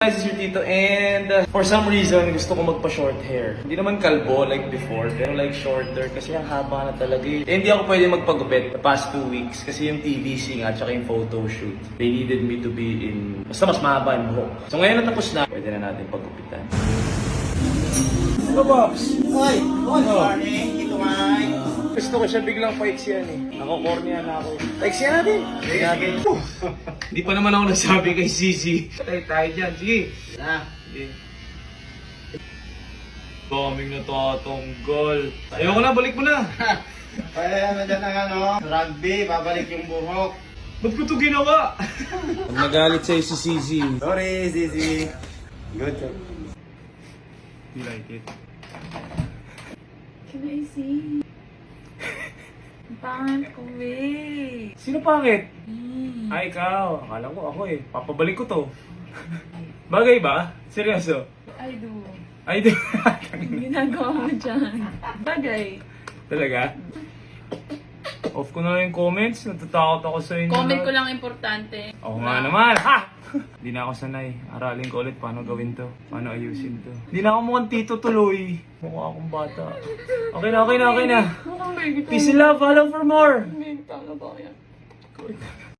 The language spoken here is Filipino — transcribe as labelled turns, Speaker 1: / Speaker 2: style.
Speaker 1: This is your Tito and for some reason gusto ko magpa-short hair. Hindi naman kalbo like before, pero like shorter kasi ang haba na talaga eh. Hindi ako pwede magpagupit the past 2 weeks kasi yung TVC nga at saka yung photo shoot. They needed me to be in, basta mas mahaba yung buhok. So ngayon natapos na, pwede na natin paggupitan. Hello, Pops!
Speaker 2: Hoy! Good morning, Tito Mike!
Speaker 1: Gusto ko siya biglang paiksiyan eh. Nako-cornea na ako. Paiksiyan natin! Sige. Hindi pa naman ako nasabi kay Sisi. Tayo dyan, sige.
Speaker 2: Na,
Speaker 1: Sige. Daming natatanggal. Ayoko na, balik mo na.
Speaker 2: kaya na dyan ang rugby, babalik yung buhok.
Speaker 1: Ba't ko ito ginawa? Pag nagalit sa'yo si Sisi.
Speaker 2: Sorry, Zizi. Good job.
Speaker 1: You like it?
Speaker 3: Can I see? Ang pangit ko, eh.
Speaker 1: Sino pangit? Ay, ikaw. Akala ko ako eh. Papabalik ko to. Bagay ba? Seryoso?
Speaker 3: I do.
Speaker 1: Ay, di.
Speaker 3: Ang ginagawa mo dyan. Bagay.
Speaker 1: Talaga? Off ko na lang yung comments. Natatakot ako sa inyo.
Speaker 3: Comment ko lang importante.
Speaker 1: Oo nga naman. Ha! Hindi na ako sanay. Aralin ko ulit paano gawin to. Paano ayusin to. Hindi na ako mukhang tito tuloy. Mukha akong bata. Okay na, okay na, okay na.
Speaker 3: Mukhang baby ko.
Speaker 1: Peace and love. Follow for more.
Speaker 3: Tama ba yan?